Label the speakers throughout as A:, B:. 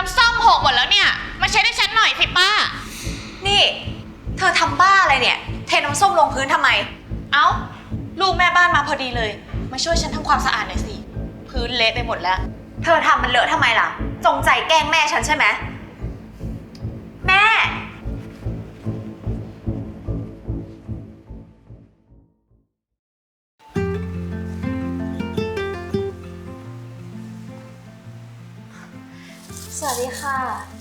A: น้ำส้มหกหมดแล้วเนี่ยมาเช็ดให้ฉันหน่อยสิป้า
B: นี่เธอทำบ้าอะไรเนี่ยเทน้ำส้มลงพื้นทำไมเอ้าลูกแม่บ้านมาพอดีเลยมาช่วยฉันทำความสะอาดหน่อยสิพื้นเละไปหมดแล้วเธอทำมันเลอะทำไมล่ะจงใจแกล้งแม่ฉันใช่ไหมแม่สวัสดีค่ะ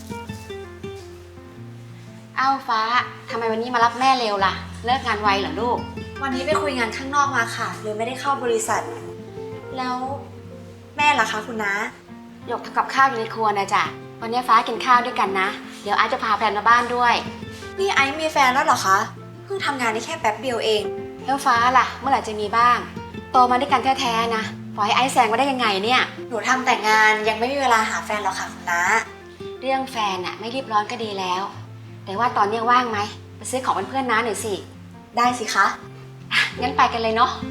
C: อ้าวฟ้าทำไมวันนี้มารับแม่เร็วล่ะเลิกงานไวเหรอลูก
B: วันนี้ไปคุยงานข้างนอกมาค่ะเลยไม่ได้เข้าบริษัทแล้วแม่ล่ะคะคุณน้า
C: หยกทำกับข้าวอยู่ในครัวนะจ๊ะวันนี้ฟ้ากินข้าวด้วยกันนะเดี๋ยวอาจจะพาแฟนมาบ้านด้วย
B: นี่ไอซ์มีแฟนแล้วเหรอคะเพิ่งทำงานได้แค่แป๊บเดียวเอง
C: แล้วฟ้าล่ะเมื่อไหร่จะมีบ้างโตมาด้วยกันแท้ๆนะปล่อยให้ไอซ์แซงมาได้ยังไงเนี่ย
B: หนูทำแต่งานยังไม่มีเวลาหาแฟนหรอกค่ะคุณน้า
C: เรื่องแฟนอะไม่รีบร้อนก็ดีแล้วแต่ว่าตอนนี้ว่างไหมไปซื้อของเพื่อนๆน้าหน่อยสิ
B: ได้สิคะ
C: งั้นไปกันเลยเนาะ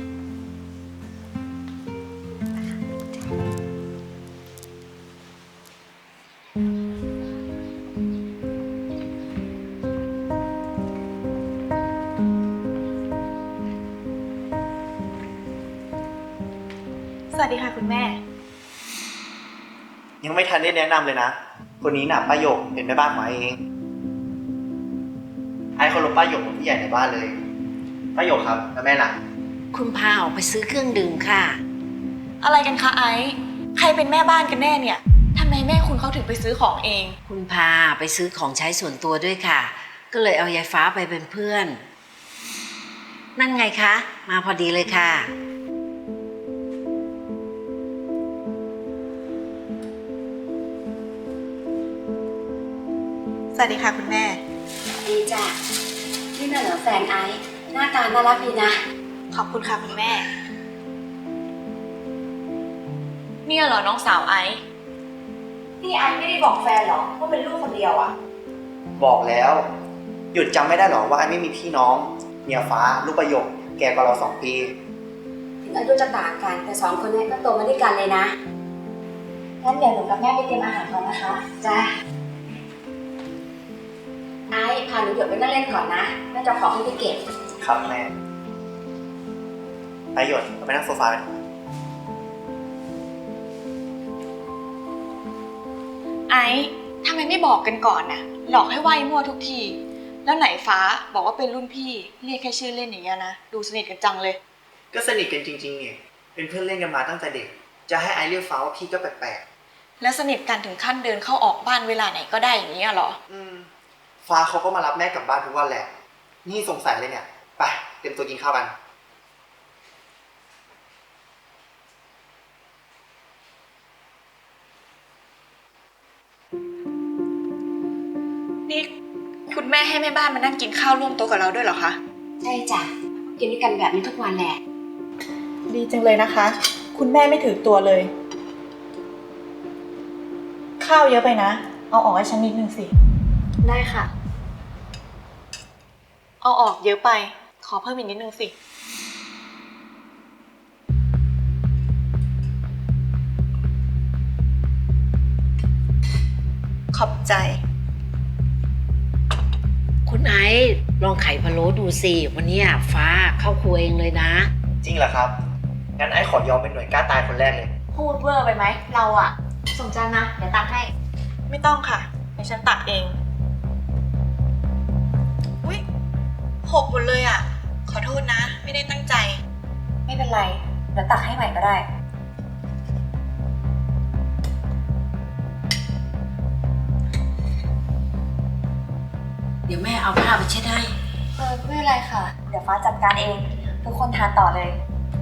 B: สวัสดีค่ะคุณแม่
D: ยังไม่ทันได้แนะนำเลยนะคนนี้น่ะป้าหยกเป็นแม่บ้านของไอเองไอเคารพป้าหยกเป็นผู้ใหญ่ในบ้านเลยป้าหยกครับแล้วแม่ล่ะ
E: คุณพาออกไปซื้อเครื่องดื่มค่ะ
B: อะไรกันคะไอซ์ใครเป็นแม่บ้านกันแน่เนี่ยทำไมแม่คุณเขาถึงไปซื้อของเอง
E: คุณพาไปซื้อของใช้ส่วนตัวด้วยค่ะก็เลยเอายายฟ้าไปเป็นเพื่อนนั่นไงคะมาพอดีเลยค่ะ
B: สวัสดีค่ะคุณแม่
C: ดีจ้ะนี่น่ะเหรอแฟนไอซ์หน้าตาน่ารักดีนะ
B: ขอบคุณค่ะคุณแม่เนี่ยเหรอน้องสาวไอซ์นี่ไอซ์ไม่ได้บอกแฟนหรอว่าเป็นลูกคนเดียวอ่ะ
D: บอกแล้วหยุดจำไม่ได้หรอว่าไอไม่มีพี่น้องเมียฟ้าลูกประโยคแกกว่าเรา2 ปี
C: ถึงอายุจะต่างกันแต่2 คนนี้ก็โตมาด้วยกันเลยนะงั้นเดี๋ยวหนูกับแม่ไปเตรียมอาหารก่อนนะคะจ้าไอ้พาหนูหยดไปนั่งเล่นก่อนนะแม่จะขอให้ไปเก็บ
D: ครับแม่ไปหยดไปนั่งโซฟากัน
B: ไอ้ทำไมไม่บอกกันก่อนน่ะหลอกให้ไหว้มั่วทุกทีแล้วไหนฟ้าบอกว่าเป็นรุ่นพี่เรียกแค่ชื่อเล่นอย่างเงี้ยนะดูสนิทกันจังเลย
D: ก็สนิทกันจริงๆเนี่ยเป็นเพื่อนเล่นกันมาตั้งแต่เด็กจะให้ไอเรียกฟ้าว่าพี่ก็แปลก
B: ๆแล้วสนิทกันถึงขั้นเดินเข้าออกบ้านเวลาไหนก็ได้อย่างเงี้ยเหรอ
D: ฟ้าเขาก็มารับแม่กลับบ้านทุกวันแหละนี่สงสัยเลยเนี่ยไปเตรียมตัวกินข้าวกัน
B: นี่คุณแม่ให้แม่บ้านมานั่งกินข้าวร่วมโต๊ะกับเราด้วยเหรอคะ
C: ใช่จ้ะกินด้วยกันแบบนี้ทุกวันแหละ
B: ดีจังเลยนะคะคุณแม่ไม่ถือตัวเลยข้าวเยอะไปนะเอาออกให้ฉันนิดนึงสิได้ค่ะเอาออกเยอะไปขอเพิ่มอีกนิดนึงสิขอบใจ
E: คุณไอซ์ลองไข่พะโล้ดูสิวันนี้ฟ้าเข้าครัวเองเลยนะ
D: จริงเหรอครับงั้นไอขอยอมเป็นหน่วยกล้าตายคนแรกเลย
B: พูดเวอร์ไปไหมเราอะสมจานนะเดี๋ยวตักให้ไม่ต้องค่ะเดี๋ยวฉันตักเองอุ๊ยหกหมดเลยอะขอโทษนะไม่ได้ตั้งใจไม่เป็นไรเดี๋ยวตักให้ใหม่ก็ได้
E: เดี๋ยวแม่เอาผ้าไปเช็ดให้
B: ไม่เป็นไรค่ะเดี๋ยวฟ้าจัดการเองทุกคนทานต่อเลย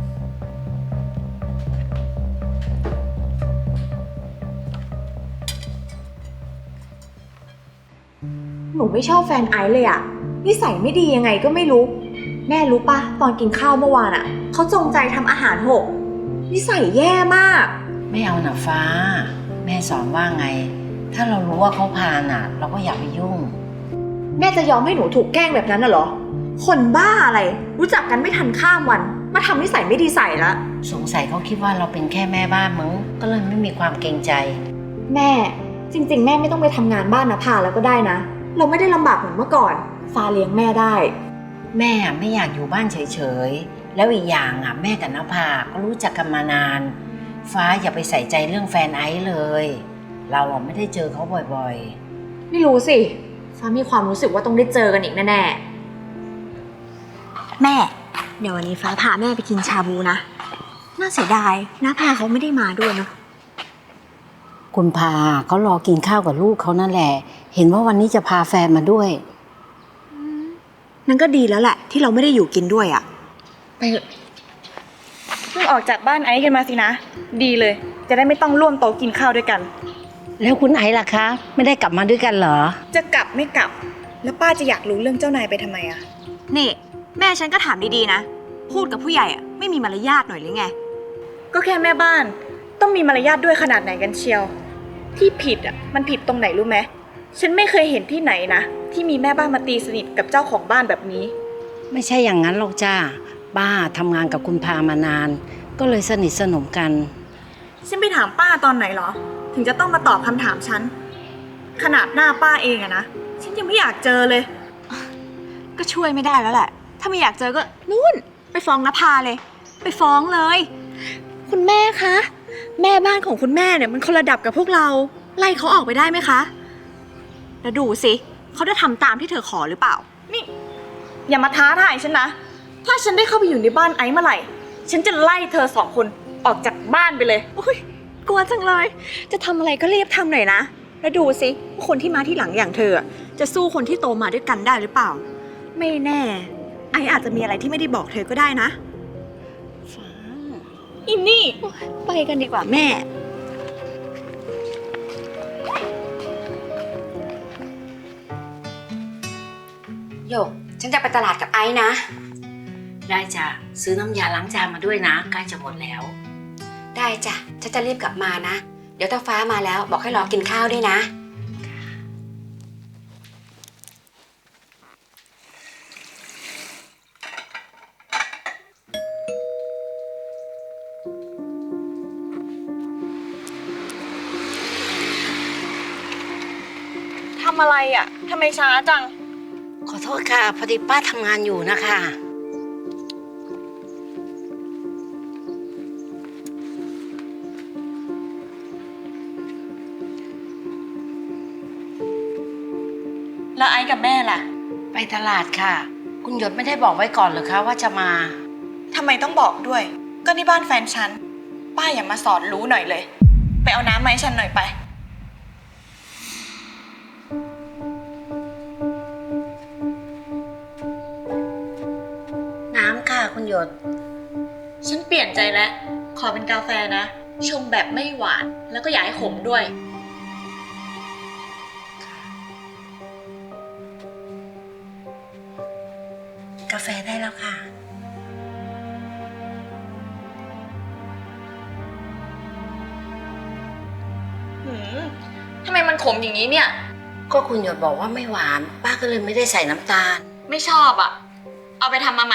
B: หนูไม่ชอบแฟนไอซ์เลยอะนิสัยไม่ดียังไงก็ไม่รู้แม่รู้ปะตอนกินข้าวเมื่อวานอะเขาจงใจทำอาหารหกนิสัยแย่มาก
E: ไม่เอาหน่ะฟ้าแม่สอนว่าไงถ้าเรารู้ว่าเขาพาน่ะเราก็อย่าไปยุ่ง
B: แม่จะยอมให้หนูถูกแกล้งแบบนั้นน่ะเหรอคนบ้าอะไรรู้จักกันไม่ทันข้ามวันมาทำนิสัยไม่ดีใส่ละ
E: สงสัยเขาคิดว่าเราเป็นแค่แม่บ้านมั้งก็เลยไม่มีความเกรงใจ
B: แม่จริงๆแม่ไม่ต้องไปทำงานบ้านนะพาแล้วก็ได้นะ เราไม่ได้ลำบากเหมือนเมื่อก่อนฟ้าเลี้ยงแม่ได้
E: แม่ไม่อยากอยู่บ้านเฉยๆแล้วอีกอย่างแม่กับนภาก็รู้จักกันมานานฟ้าอย่าไปใส่ใจเรื่องแฟนไอซ์เลย เราไม่ได้เจอเขาบ่อยๆ
B: ไม่รู้สิฟ้ามีความรู้สึกว่าต้องได้เจอกันอีกแน่ๆแม่เดี๋ยววันนี้ฟ้าพาแม่ไปกินชาบูนะน่าเสียดายน้าพาเขาไม่ได้มาด้วยเนาะ
E: คุณพาเขารอกินข้าวกับลูกเขานั่นแหละเห็นว่าวันนี้จะพาแฟนมาด้วย
B: นั่นก็ดีแล้วแหละที่เราไม่ได้อยู่กินด้วยอ่ะไปเถอะ
F: เพิ่งออกจากบ้านไอซ์กันมาสินะ ดีเลย จะได้ไม่ต้องร่วมโต๊ะกินข้าวด้วยกัน
E: แล้วคุณไอซ์ล่ะคะไม่ได้กลับมาด้วยกันเหรอ
F: จะกลับไม่กลับ แล้วป้าจะอยากรู้เรื่องเจ้านายไปทำไมอะ
B: นี่แม่ฉันก็ถามดีๆนะพูดกับผู้ใหญ่อ่ะไม่มีมารยาทหน่อยหรือไง
F: ก็แค่แม่บ้าน ต้องมีมารยาทด้วยขนาดไหนกันเชียว ที่ผิดอะมันผิดตรงไหนรู้ไหมฉันไม่เคยเห็นที่ไหนนะที่มีแม่บ้านมาตีสนิทกับเจ้าของบ้านแบบนี้
E: ไม่ใช่อย่างนั้นหรอกจ้าป้าทำงานกับคุณพามานาน ก็เลยสนิทสนมกัน
F: ฉันไปถามป้าตอนไหนเหรอ ถึงจะต้องมาตอบคำถามฉัน ขนาดหน้าป้าเองอะนะ ฉันยังไม่อยากเจอเลย
B: ก็ช่วยไม่ได้แล้วแหละ ถ้าไม่อยากเจอก็นู่นไปฟ้องนภาเลย ไปฟ้องเลย คุณแม่คะ แม่บ้านของคุณแม่เนี่ยมันคนระดับกับพวกเรา ไล่เขาออกไปได้ไหมคะ แล้วดูสิเขาจะทำตามที่เธอขอหรือเปล่า
F: นี่ อย่ามาท้าทายฉันนะ ถ้าฉันได้เข้าไปอยู่ในบ้านไอซ์เมื่อไหร่ ฉันจะไล่เธอ2 คนออกจากบ้านไปเลย
B: อุ้ยกลัวจังเลย จะทำอะไรก็รีบทำหน่อยนะ แล้วดูสิว่าคนที่มาที่หลังอย่างเธอจะสู้คนที่โตมาด้วยกันได้หรือเปล่า ไม่แน่ ไออาจจะมีอะไรที่ไม่ได้บอกเธอก็ได้นะ
F: อินนี่
B: ไปกันดีกว่าแม่
C: โยกฉันจะไปตลาดกับไอ้นะ
E: ได้จ้ะซื้อน้ำยาล้างจานมาด้วยนะใกล้จะหมดแล้ว
C: ได้จ้ะฉันจะรีบกลับมานะ เดี๋ยวถ้าฟ้ามาแล้วบอกให้รอกินข้าวด้วยนะ
F: ทำอะไรอ่ะทำไมช้าจัง
E: ขอโทษค่ะพอดีป้าทำงานอยู่นะคะ
F: แล้วไอซ์กับแม่ล่ะ
E: ไปตลาดค่ะ คุณหยดไม่ได้บอกไว้ก่อนเหรอคะว่าจะมา
F: ทำไมต้องบอกด้วย ก็นี่บ้านแฟนฉัน ป้าอย่ามาสอนรู้หน่อยเลย ไปเอาน้ำมาให้ฉันหน่อยไป
E: น้ำค่ะคุณหยด
B: ฉันเปลี่ยนใจแล้ว ขอเป็นกาแฟนะ ชงแบบไม่หวาน แล้วก็อย่าให้ขมด้วย
E: กาแฟได้แล้วค่ะ
B: ทำไมมันขมอย่างนี้เนี่ย
E: ก็คุณหยดบอกว่าไม่หวาน ป้าก็เลยไม่ได้ใส่น้ำตาล
B: ไม่ชอบอ่ะ เอาไปทำมาใหม่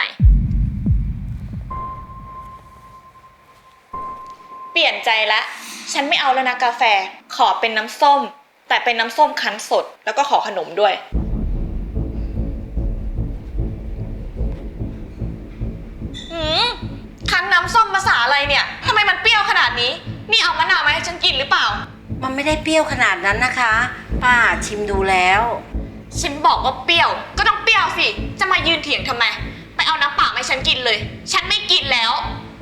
F: เปลี่ยนใจแล้ว ฉันไม่เอาแล้วนะกาแฟ ขอเป็นน้ำส้ม แต่เป็นน้ำส้มคั้นสด แล้วก็ขอขนมด้วย
B: คั้นน้ำส้มภาษาอะไรเนี่ยทำไมมันเปรี้ยวขนาดนี้ นี่เอามะนาวมาให้ฉันกินหรือเปล่า
E: มันไม่ได้เปรี้ยวขนาดนั้นนะคะ ป้าชิมดูแล้ว
B: ฉันบอกว่าเปรี้ยว ก็ต้องเปรี้ยวสิ จะมายืนเถียงทำไม ไปเอาน้ำเปล่ามาให้ฉันกินเลย ฉันไม่กินแล้ว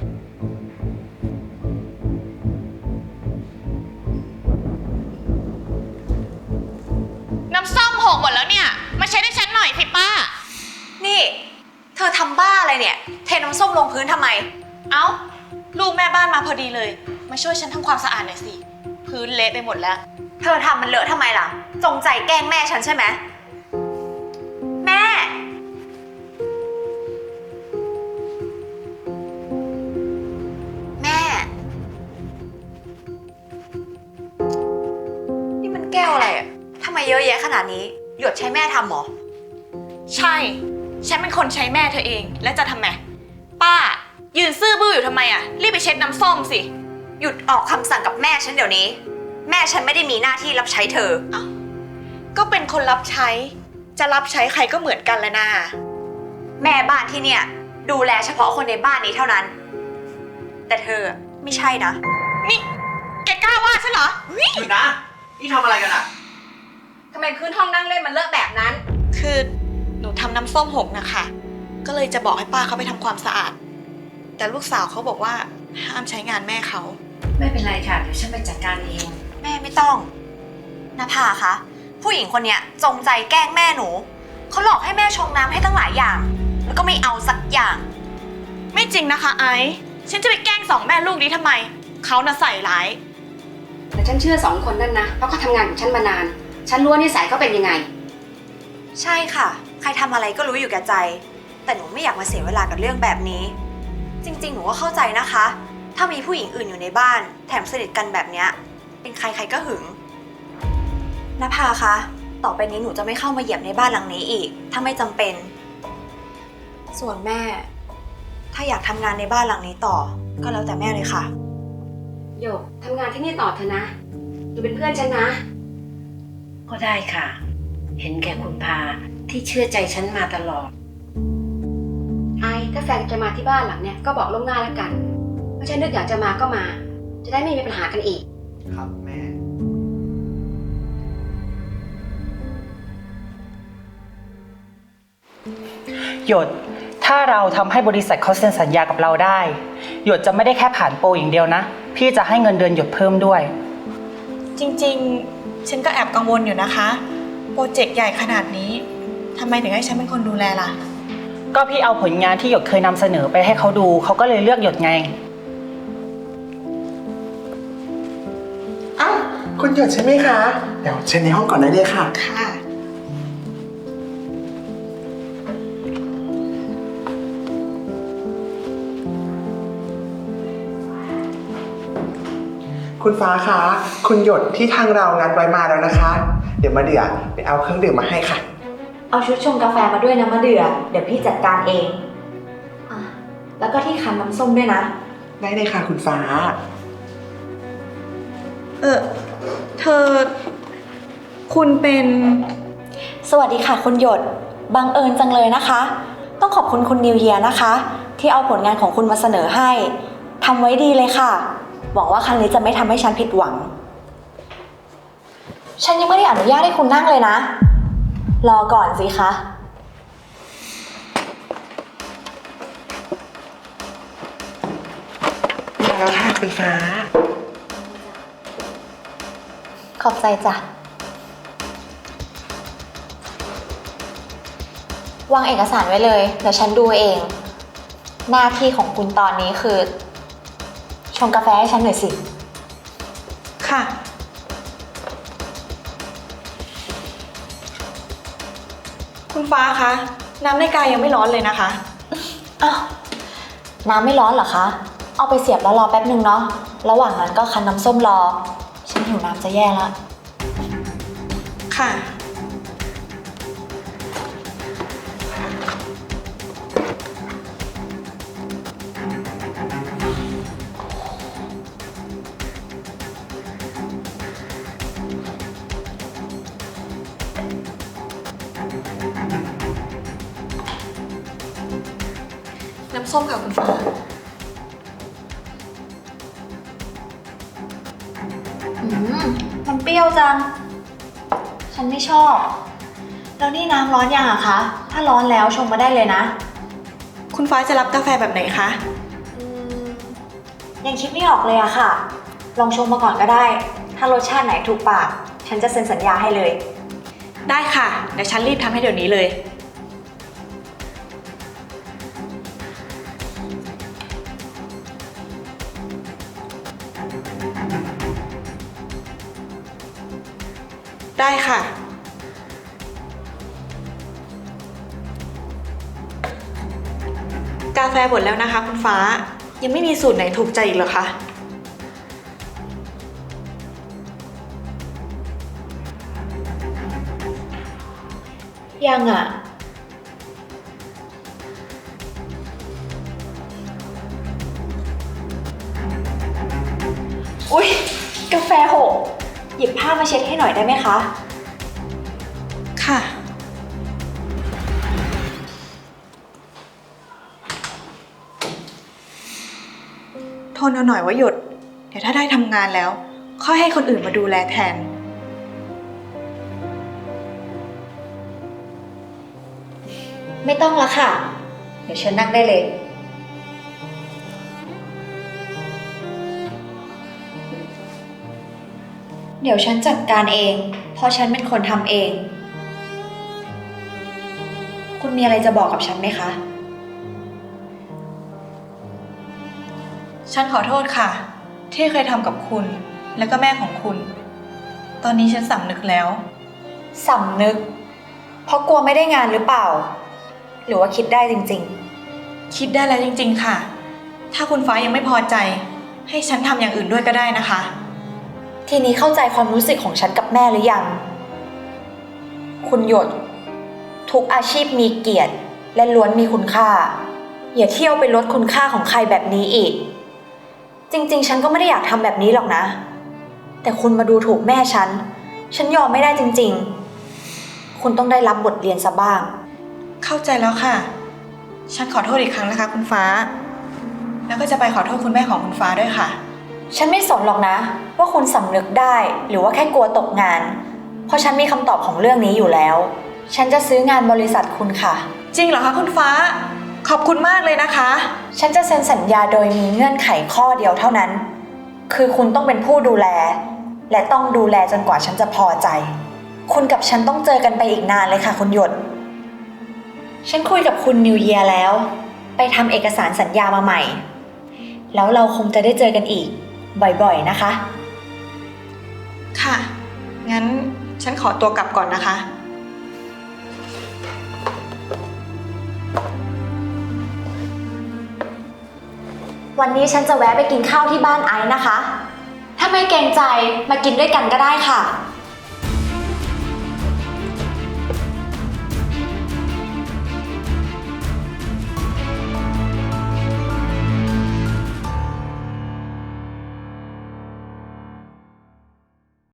A: น้ำส้มหกหมดแล้วเนี่ย มาเช็ดให้ฉันหน่อยสิป้า
B: นี่ เธอทำบ้าอะไรเนี่ย เทน้ำส้มลงพื้นทำไม เอ้า ลูกแม่บ้านมาพอดีเลย มาช่วยฉันทำความสะอาดหน่อยสิ พื้นเละไปหมดแล้ว เธอทำมันเลอะทำไมล่ะ จงใจแกล้งแม่ฉันใช่ไหม แม่ แม่ นี่มันแก้วอะไรอ่ะทำไมเยอะแยะขนาดนี้ หยดใช้แม่ทำหรอ ใช่ ฉันเป็นคนใช้แม่เธอเอง แล้วจะทำไม ป้า ยืนซื่อบื้ออยู่ทำไมอ่ะ รีบไปเช็ดน้ำส้มสิ หยุดออกคำสั่งกับแม่ฉันเดี๋ยวนี้ แแม่ฉันไม่ได้มีหน้าที่รับใช้เธอ
F: ก็เป็นคนรับใช้ จะรับใช้ใครก็เหมือนกันแหละนะ
B: แม่บ้านที่เนี่ย ดูแลเฉพาะคนในบ้านนี้เท่านั้น แต่เธอไม่ใช่นะ
A: นี่แกกล้าว่าฉันเหรอ
D: หยุดนะ นี่ทำอะไรกันอะ
B: ทำไมพื้นห้องนั่งเล่นมันเลอะแบบนั้น
F: คือหนูทำน้ำส้มหกนะคะ ก็เลยจะบอกให้ป้าเขาไปทำความสะอาด แต่ลูกสาวเขาบอกว่าห้ามใช้งานแม่เขา
E: ไม่เป็นไรค่ะ เดี๋ยวฉันไปจัดการเอง
B: แม่ไม่ต้องนภาคะผู้หญิงคนเนี้ยจงใจแกล้งแม่หนูเขาหลอกให้แม่ชงน้ำให้ตั้งหลายอย่าง แล้วก็ไม่เอาสักอย่าง
F: ไม่จริงนะคะไอซ์ฉันจะไปแกล้งสองแม่ลูกนี้ทำไม เขาน่ะใส่ร้าย
C: แต่ฉันเชื่อ2 คนนั่นนะ เพราะเขาทำงานกับฉันมานาน ฉันรู้ว่านิสัยเขาเป็นยังไง
B: ใช่ค่ะ ใครทำอะไรก็รู้อยู่แก่ใจ แต่หนูไม่อยากมาเสียเวลากับเรื่องแบบนี้ จริงๆ หนูก็เข้าใจนะคะ ถ้ามีผู้หญิงอื่นอยู่ในบ้าน แถมสนิทกันแบบเนี้ยเป็นใครๆก็หึงนภาคะต่อไปนี้หนูจะไม่เข้ามาเหยียบในบ้านหลังนี้อีก ถ้าไม่จำเป็น ส่วนแม่ ถ้าอยากทำงานในบ้านหลังนี้ต่อ ก็แล้วแต่แม่เลยค่ะ
C: โยกทำงานที่นี่ต่อเถอะนะอยู่เป็นเพื่อนฉันนะ
E: ก็ได้ค่ะ เห็นแก่คุณพาที่เชื่อใจฉันมาตลอด
C: ไอ้ถ้าแฟนจะมาที่บ้านหลังเนี่ยก็บอกล่วงหน้าแล้วกันไม่ใช่นึกอยากจะมาก็มา จะได้ไม่มีปัญหากันอีก
D: ครับแม่
G: หยด ถ้าเราทำให้บริษัทเขาเซ็นสัญญากับเราได้ หยดจะไม่ได้แค่ผ่านโปรอย่างเดียวนะ พี่จะให้เงินเดือนหยดเพิ่มด้วย
F: จริงๆ ฉันก็แอบกังวลอยู่นะคะ โปรเจกต์ใหญ่ขนาดนี้ทำไมถึงให้ฉันเป็นคนดูแลล่ะ
G: ก็พี่เอาผลงานที่หยดเคยนำเสนอไปให้เขาดู เขาก็เลยเลือกหยดไง
H: อ้าวคุณหยดใช่ไหมคะ เดี๋ยวเชิญในห้องก่อนได้เลยค่ะ
F: ค่ะ
H: คุณฟ้าคะ คุณหยดที่ทางเรานัดไว้มาแล้วนะคะ เดี๋ยวมาเดือไปเอาเครื่องดื่มมาให้ค่ะ
B: เอาชุดชงกาแฟมาด้วยนะมะเดือเดี๋ยวพี่จัดการเองอ่ะแล้วก็ที่คั้นน้ำส้มด้วยนะ
H: ได้เลยค่ะคุณฟ้า
F: เธอ คุณเป็น
B: สวัสดีค่ะคุณหยด บังเอิญจังเลยนะคะ ต้องขอบคุณคุณนิวเยียนะคะ ที่เอาผลงานของคุณมาเสนอให้ทำไว้ดีเลยค่ะ หวังว่าครั้งนี้จะไม่ทำให้ฉันผิดหวัง ฉันยังไม่ได้อนุญาตให้คุณนั่งเลยนะ รอก่อนสิคะ
H: มาแล้วค่ะคุณฟ้า
B: ขอบใจจ้ะ วางเอกสารไว้เลย เดี๋ยวฉันดูเอง หน้าที่ของคุณตอนนี้คือ ชงกาแฟให้ฉันหน่อยสิ
F: ค่ะ คุณฟ้าคะ น้ำในกายยังไม่ร้อนเลยนะคะ
B: อ้าว น้ำไม่ร้อนเหรอคะ เอาไปเสียบแล้วรอแป๊บนึงเนาะ ระหว่างนั้นก็คั้นน้ำส้มรอ ฉันหิวน้ำจะแย่แล้ว
F: ค่ะ น้ำส้มค่ะคุณฟ้า
B: มันเปรี้ยวจัง ฉันไม่ชอบ แล้วนี่น้ำร้อนยังอะคะ ถ้าร้อนแล้วชงมาได้เลยนะ
F: คุณฟ้าจะรับกาแฟแบบไหนคะ
B: ยังคิดไม่ออกเลยอะค่ะ ลองชงมาก่อนก็ได้ ถ้ารสชาติไหนถูกปาก ฉันจะเซ็นสัญญาให้เลย
F: ได้ค่ะ เดี๋ยวฉันรีบทำให้เดี๋ยวนี้เลย ได้ค่ะ กาแฟหมดแล้วนะคะคุณฟ้า ยังไม่มีสูตรไหนถูกใจอีกเหรอคะ
B: ยังอะอุ๊ย กาแฟหกหยิบผ้ามาเช็ดให้หน่อยได้ไหมคะ
F: ค่ะ ทนเอาหน่อยว่าหยด เดี๋ยวถ้าได้ทำงานแล้ว ค่อยให้คนอื่นมาดูแลแทน
B: ไม่ต้องละค่ะ เดี๋ยวเชิญนั่งได้เลย เดี๋ยวฉันจัดการเอง เพราะฉันเป็นคนทำเอง คุณมีอะไรจะบอกกับฉันไหมคะ
F: ฉันขอโทษค่ะ ที่เคยทำกับคุณ และก็แม่ของคุณ ตอนนี้ฉันสำนึกแล้ว
B: สำนึก เพราะกลัวไม่ได้งานหรือเปล่า หรือว่าคิดได้จริง
F: คิดได้แล้วจริงๆค่ะ ถ้าคุณฟ้ายังไม่พอใจ ให้ฉันทำอย่างอื่นด้วยก็ได้นะคะ
B: ๆ ทีนี้เข้าใจความรู้สึกของฉันกับแม่หรือยัง คุณหยด ทุกอาชีพมีเกียรติและล้วนมีคุณค่า อย่าเที่ยวไปลดคุณค่าของใครแบบนี้อีก จริงๆ ฉันก็ไม่ได้อยากทำแบบนี้หรอกนะ แต่คุณมาดูถูกแม่ฉันยอมไม่ได้จริงๆ คุณต้องได้รับบทเรียนซะบ้าง
F: เข้าใจแล้วค่ะ ฉันขอโทษอีกครั้งนะคะคุณฟ้า แล้วก็จะไปขอโทษคุณแม่ของคุณฟ้าด้วยค่ะ
B: ฉันไม่สนหรอกนะ ว่าคุณสำนึกได้หรือว่าแค่กลัวตกงาน เพราะฉันมีคำตอบของเรื่องนี้อยู่แล้ว ฉันจะซื้องานบริษัทคุณค่ะ
F: จริงเหรอคะคุณฟ้า ขอบคุณมากเลยนะคะ
B: ฉันจะเซ็นสัญญาโดยมีเงื่อนไขข้อเดียวเท่านั้น คือคุณต้องเป็นผู้ดูแล และต้องดูแลจนกว่าฉันจะพอใจ คุณกับฉันต้องเจอกันไปอีกนานเลยค่ะคุณหยด ฉันคุยกับคุณนิวเยียร์แล้ว ไปทำเอกสารสัญญามาใหม่ แล้วเราคงจะได้เจอกันอีก บ่อยๆนะคะ
F: ค่ะ งั้นฉันขอตัวกลับก่อนนะคะ
B: วันนี้ฉันจะแวะไปกินข้าวที่บ้านไอซ์นะคะ ถ้าไม่เกรงใจมากินด้วยกันก็ได้ค่ะ